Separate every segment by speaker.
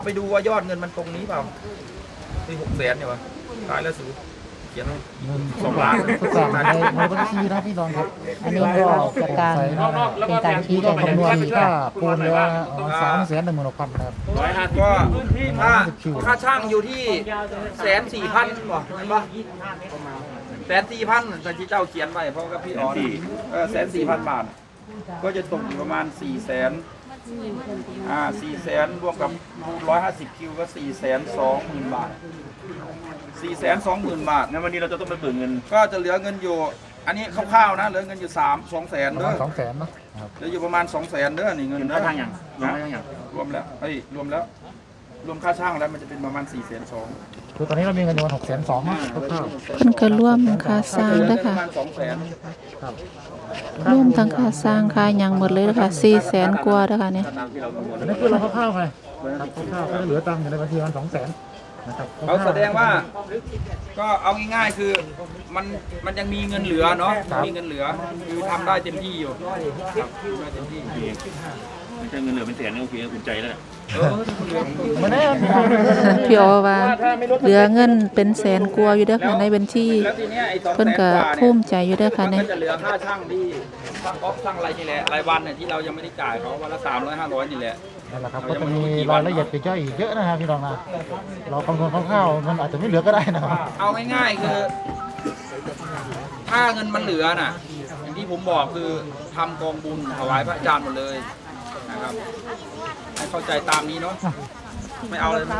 Speaker 1: ไปดูว่ายอดเงินมันตรงนี้เปล่าที่600,000เนี่ยวะตายแล้วสูเขียนเงิน2 ล้าน
Speaker 2: สั่งในบัญชีนะพี่น้องครับ
Speaker 3: อันนี้ก็เป็นการเป็นการชี้แจง
Speaker 2: คำนวณค่าปูนเลยว่า316,000นะครับ
Speaker 1: ก็ค่าช่างอยู่ที่140,000บ่เห็นปะ140,000แต่ที่เจ้าเขียนไปเพราะกับพี่อ๋อ140,000 บาทก็จะตกอยู่ประมาณ400,000 400,000รวมกับ150คิวก็420,000 บาท420,000 บาท
Speaker 4: งั้นวันนี้เราจะต้องไปเบิกเงิน
Speaker 1: ก็จะเหลือเงินอยู่อันนี้คร่าวๆนะเหลือเงินอยู่200,000
Speaker 2: ประ
Speaker 1: เด้
Speaker 2: มา
Speaker 1: อ
Speaker 2: ณ200,000เนาะครับ
Speaker 1: เหลืออยู่ประมาณ200,000เด้อนี่เงิน
Speaker 4: เงิน
Speaker 1: เด้
Speaker 4: ค่า
Speaker 1: อ
Speaker 4: ทางอย่างรวมค่าทางอย่าง
Speaker 1: รวมแล้วรวมแล้วรวมค่าช่างแล้วมันจะเป็นประมาณ420,000
Speaker 2: คือตอนนี้เรามีเงินอยู่ประมาณ620,000นะคร่าว
Speaker 3: เพิ่นก็ร่วมค่าสร้างด้วยค่ะ
Speaker 1: ประมาณ200,000
Speaker 2: ครับ
Speaker 3: ร่วมทั้งค่าสร้างค่าหยังหมดเลยนะคะ400,000 กว่าด้วยค่ะเนี่ย
Speaker 2: อันนี้คือเราคร่าวๆไงครับคร่าวๆก็เหลือตังค์อยู่ในบัญชีประมาณ200,000นะครับ
Speaker 1: เขาแสดงว่าก็เอาง่ายๆคือมันยังมีเงินเหลือเนาะมีเงินเหลือคือทำได้เต็มที่อยู่ครับทำได้เต็มที่
Speaker 4: ไม่ใช่เงินเหลือเป็นแสนนี่โอเคอุ่นใจแล้ว
Speaker 2: มาแน่
Speaker 3: พี่อ๋อว่าเหลือเงินเป็นแสนกว่าอยู่เด้อค่ะในบัญชี
Speaker 1: แล้วทีเนี้ยไอ้200,000
Speaker 3: เพิ่นก็ภูมิใจอยู่เด้อค่ะ
Speaker 1: มัน
Speaker 3: เนี่ย
Speaker 1: ก็จะเหลือค่าช่างที่ช่างออฟช่างอะไรนี่แหละรายวันเนี่ยที่เรายังไม่ได้จ่ายเขาวันละ300 500นี่แหละ
Speaker 2: นั่นแหละครับก็จะมีรายละเอียดปลีกย่อยอีกเยอะนะครับพี่น้องนะเราคำนวณคร่าวๆมันอาจจะไม่เหลือก็ได้นะครับ
Speaker 1: เอาง่ายๆคือถ้าเงินมันเหลือน่ะอย่างที่ผมบอกคือทำกองบุญถวายพระอาจารย์หมดเลยนะครับให้เข้าใจตามนี้เนาะไม่เอาเลยนะ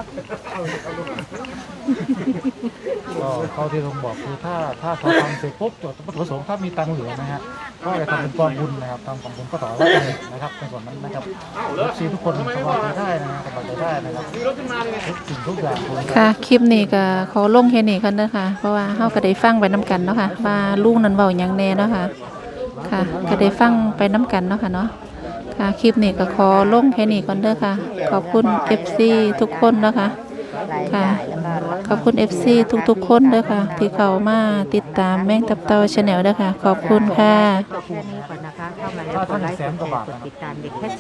Speaker 2: ก็เขาที่ผมบอกคือถ้าเขาทำเสร็จปุ๊บจดวัตถุประสงค์ถ้ามีตังค์เหลือนะฮะก็จะทำเป็นกองบุญนะครับทำกองบุญก็ต่อไว้เลยนะครับในส่วนนั้นนะครับซีทุกคนสบายใจได้นะสบายใจได้นะครับทุกสิ่งทุกอย่างคุณ
Speaker 3: ค่ะคลิปนี้ก็ขอลงแค่นี้กันเด้อค่ะเพราะว่าเฮาก็ได้ฟังไปนํกันเนาะค่ะว่าลุงนั้นเว้าหยังแน่เนาะค่ะค่ะก็ได้ฟังไปนํกันเนาะค่ะเนาะค่ะคลิปนี้ก็ขอลงแค่นี้ก่อนเด้อค่ะขอบคุณ FC ทุกคนเนาะค่ะค่ะขอบคุณ FC ทุกๆคนเด้อค่ะที่เข้ามาติดตามแม่งตับเต่า Channel เด้อค่ะขอบคุณค่ะ
Speaker 5: แค่นี้ก่อนนะคะ เข้ามาแล้วกดไลค์กดแชร์กดติดตามเด็กแค่